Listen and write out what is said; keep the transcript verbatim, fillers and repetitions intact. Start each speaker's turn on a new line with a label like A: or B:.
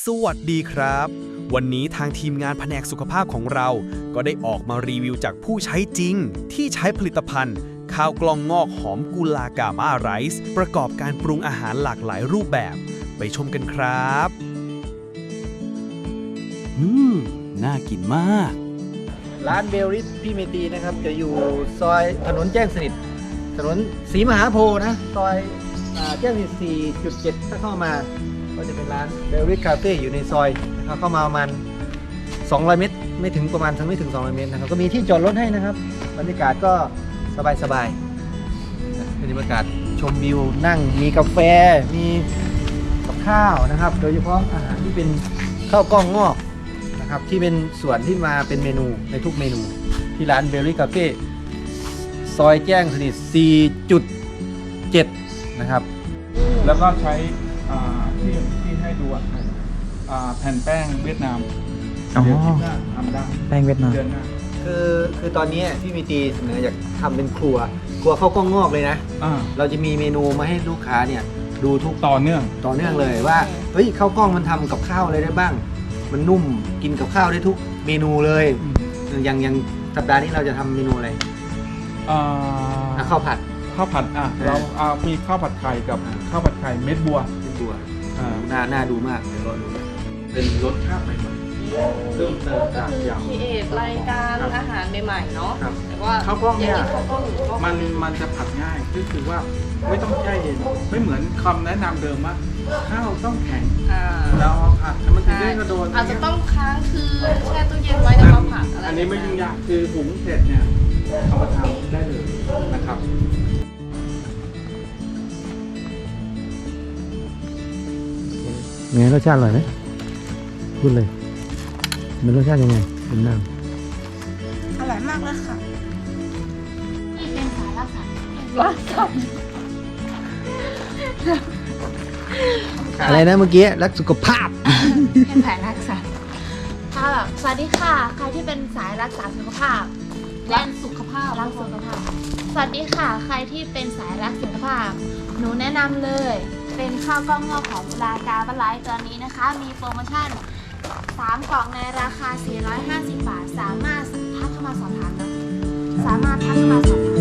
A: สวัสดีครับวันนี้ทางทีมงานแผนกสุขภาพของเราก็ได้ออกมารีวิวจากผู้ใช้จริงที่ใช้ผลิตภัณฑ์ข้าวกล้องงอกหอมกุลากาม่าไรซ์ประกอบการปรุงอาหารหลากหลายรูปแบบไปชมกันครับ
B: อืมน่ากินมาก
C: ร้านเบลริสพี่เมตีนะครับจะอยู่ซอยถนนแจ้งสนิทถนนศรีมหาโพธิ์นะซอยอ่าแจ้งสนิท สี่จุดเจ็ด ถ้าเข้ามาก็จะเป็นร้านเบลริสคาเฟ่อยู่ในซอยนะครับเข้ามาประมาณสองร้อยเมตรไม่ถึงประมาณทั้งไม่ถึงสองร้อยเมตรนะครับก็มีที่จอดรถให้นะครับบรรยากาศก็สบายๆนะเป็นบรรยากาศชมวิวนั่งมีกาแฟมีกับข้าวนะครับโดยเฉพาะอาหารที่เป็นข้าวกล้องงอกนะครับที่เป็นส่วนที่มาเป็นเมนูในทุกเมนูที่ร้านเบลลี่คาเฟ่ซอยแจ้งสนิท สี่จุดเจ็ด นะครับ
D: แล้วก็ใช้อ่าที่ที่ให้ดูอ่ะอ่าแผ่นแป้งเวียดนามเดี๋ยวคลิปหน้าทำได้
E: แป้งเวียดนาม
D: เดือนหน้า
C: คือคือตอนนี้พี่มีตีเสนออยากทำเป็นครัวครัวข้าวกล้องงอกเลยนะ
D: อ่า
C: เราจะมีเมนูมาให้ลูกค้าเนี่ยดูทุก
D: ต่อเนื่อง
C: ต่อเนื่องเลยว่าเฮ้ยข้าวกล้องมันทำกับข้าวอะไรได้บ้าง มันนุ่มกินกับข้าวได้ทุกเมนูเลยอย่างอย่างสัปดาห์นี้เราจะทำเมนูอะไร
D: อ่า
C: อ่ะข้าวผัด
D: ข้าวผัดอ่ะ
C: เออ
D: เราอ่ามีข้าวผัดไข่กับ
C: อ่า
D: ข้าวผัดไข่เม็ดบัว
C: เป็นตัว
D: อ่า
C: น่าน่าดูมากเดี๋ยวรอดูเป็นรสชาติใหม่ๆเริ่มเติม
F: ก็
C: จาก
F: คือย
C: ำ
F: ครีเอทรายการอาหารใหม่ๆเนาะ
C: ครับ
F: แต่ว่า
D: ข้าวกล้องเนี่ย
F: างข้าวกล้องหรือข้าวกล้อง
D: มันมันจะผัดง่ายก็คือว่าไม่ต้องแช่เย็นไม่เหมือนคำแนะนำเดิมว่าข้าวต้องแข็ง
F: อ่า
D: แล้วเอาผัดแล้วมันถึง
F: ใช่
D: ได้กระโดด
F: อาจจะต้องค้างคืนแช่ตู้เย็นไว้แล้วมาผัดอะไร
D: อันนี้ไม่ยุ่งยากคือหุงเสร็จเนี่ยเอามาทำได้เลยนะครับ
E: ไงรสชาติอร่อยไหมพูดเลยมันรสชาติยังไงเป็นน้
G: อร่อยมากเลยค่ะ
H: ที่เป็นสายรักษา
F: รักสัตว์
C: อะไรนะเมื่อกี้รักสุขภาพ
H: เป็นสายรักษาค่ะแบบสวัสดีค่ะ ใครที่เป็นสายรักษาสุขภาพ
F: รักสุขภาพ
H: รักสุขภาพ สวัสดีค่ะ ใครที่เป็นสายรักสุขภาพ หนูแนะนำเลย เป็นข้าวกล้องงอกของลากาบะไลท์ตัวนี้นะคะ มีโปรโมชั่นสามกล่องในราคา สี่ร้อยห้าสิบบาท สามารถทักเข้ามาสอบถามนะสามารถทักเข้ามาสอบถาม